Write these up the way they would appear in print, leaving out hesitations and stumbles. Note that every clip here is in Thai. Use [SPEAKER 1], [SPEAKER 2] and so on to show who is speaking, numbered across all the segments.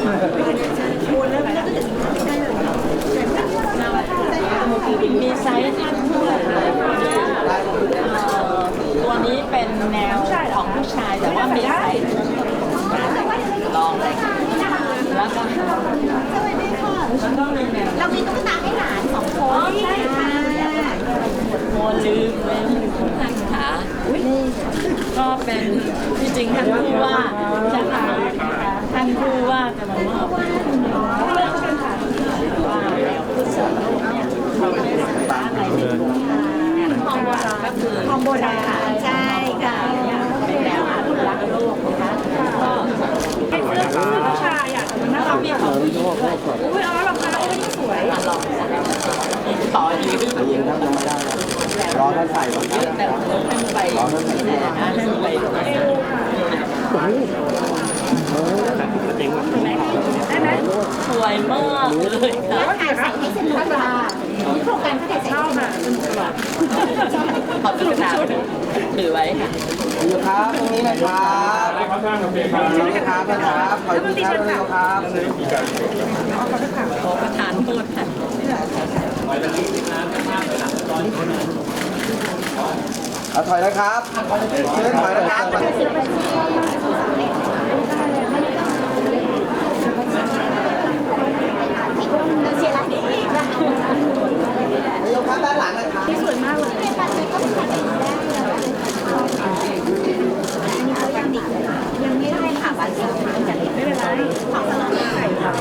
[SPEAKER 1] มีไซส์ที่ตัวนี้เป็นแนวของผู้ชายแต่ว่ามีไซส์ลองเลยแล้วก็มีแนว
[SPEAKER 2] เรามีตุ๊กตาให้หลาน2 คนใช่ค่ะ
[SPEAKER 1] โมลืมเลยค่ะก็เป็นที่จริงท่านผู้ว่าจะทำท่านผู้ว่าจะมามอบว่าผู้สูงอายุเนี่ยเราได้ศึกษาอะไรในโครงการทองโบราณก็คือ
[SPEAKER 2] ทองโบราณใช่ค่ะ
[SPEAKER 1] เป็นแนวอนุรักษ์โลกนะคะก็
[SPEAKER 3] ให้เสื้อผู้ชายอ่ะมันน่ารัก
[SPEAKER 1] มีของผู้หญิงด้วย
[SPEAKER 3] อุ้ยอ๋อรองเท้าอุ้ยสวย
[SPEAKER 1] ลองต่อยืด
[SPEAKER 4] ยิงครับยังไม่ได้รอท่านใส่ก่อนนะ
[SPEAKER 1] แต่ท่านไปที่ไหนนะท่านไป
[SPEAKER 3] ได้ไหม
[SPEAKER 1] สวยมากเลยค่ะ
[SPEAKER 2] ถ่ายใส่ให้สนุกค่ะโครงการเขาถ่ายใส่
[SPEAKER 3] ชอบค่ะสนุกตลอด
[SPEAKER 1] ขอบคุณค่ะถือไว้ค่ะ
[SPEAKER 4] อยู่ครับตรงนี้นะครับครับนะครับขออีกทีครับครับ
[SPEAKER 1] ขอประทานโทษค่ะ
[SPEAKER 4] เอาถอยนะครับเชิญถอยนะครับ
[SPEAKER 2] เชียร์ร้านนี้อีกนะ
[SPEAKER 4] ยกครับด้านหลังนะครับ
[SPEAKER 3] สวยมากเลย
[SPEAKER 2] ยังไม่ได้ค่ะบัตรซื้อมาจากไม่เป็นไรของสนามไข่ค่ะ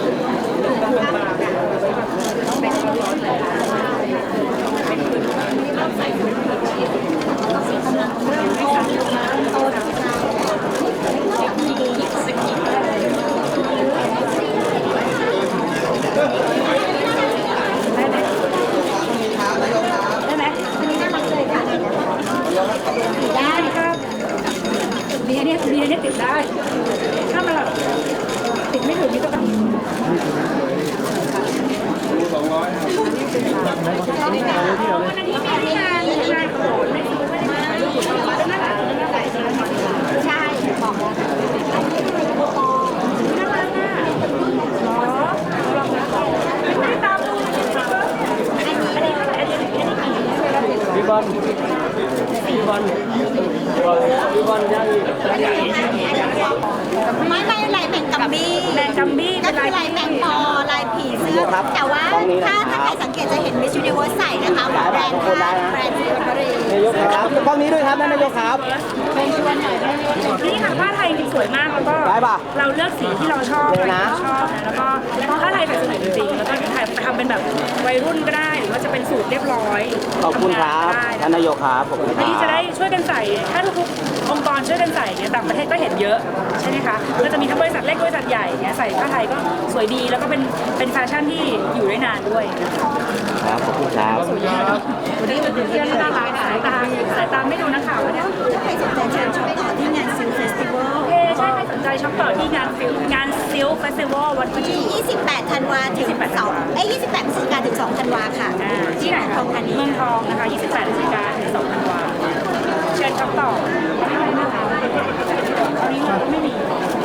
[SPEAKER 2] ได้ไหมอันนี้น่ารักเลยค่ะได้ครับ
[SPEAKER 3] ดีอันนี้ติดได้ถ้ามันแบบติดไม่ถึงนี่ก็ต้องวันนี้มีงานโขนไม่ซื้อไม่ได้ถ่ายรูปแล้วน่ารัก
[SPEAKER 2] ใช่บอกแล้ว
[SPEAKER 3] น่ารักอ่ะไม่ได้ตามดู
[SPEAKER 4] พี่บอลย่าง
[SPEAKER 2] ไม่ลายแมงกัมบี้ก็คือลายแมงปอลายผีเสื้อแต่ว่าถ้าใครสังเกตจะเห็น Miss Universe ใส่นะคะแบรนด์ซิลเวอรี่
[SPEAKER 4] นายกครับกล้องนี้ด้วยครับนายกครับ
[SPEAKER 3] นี่ค่ะผ้าไทยจริงสวยมากแล้วก็เราเลือกสีที่เราชอบนะแล้วก็ผ้าไทยใส่สวยจริงๆแล้วก็ถ่ายทำเป็นแบบวัยรุ่นก็ได้หรือว่าจะเป็นสูทเรียบร้อย
[SPEAKER 4] ขอบคุณครับท่านนายกครับผม
[SPEAKER 3] อันนี้จะได้ช่วยกันใส่ถ้าทุกองค์กรช่วยกันใส่เนี่ยต่างประเทศก็เห็นเยอะใช่ไหมคะก็จะมีทั้งบริษัทเล็กบริษัทใหญ่เนี่ยใส่ผ้าไทยก็สวยดีแล้วก็เป็นแฟชั่นที่อยู่ได้นานด้วย
[SPEAKER 4] ครับขอบคุณครับ
[SPEAKER 3] วันนี้เป็นเพื่อนน่ารักสายตาไม่ดูนักข่าวเนี่ย
[SPEAKER 2] ถ้าใครสนใจเชิญชมต่อที่งานซิลเฟสติวัล
[SPEAKER 3] ใช่ใครสนใจช็อปต่อที่งานซิลเฟสติวัลวันที่
[SPEAKER 2] 28 ธันวาถึง28 พฤศจิกายนถึง 2 ธันวาค่ะ
[SPEAKER 3] ที่ไหนคะเมืองทองนะคะ28 พฤศจิกายนถึง 2 ธันวาเชิญช็อปต่อตอนนี้เราไม่มี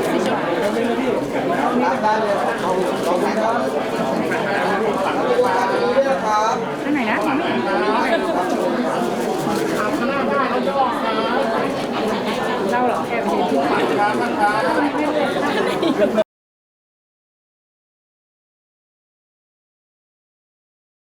[SPEAKER 4] ได้เลยขอบคุณครับ
[SPEAKER 3] อันไหนนะเราเหรอแอบเห็น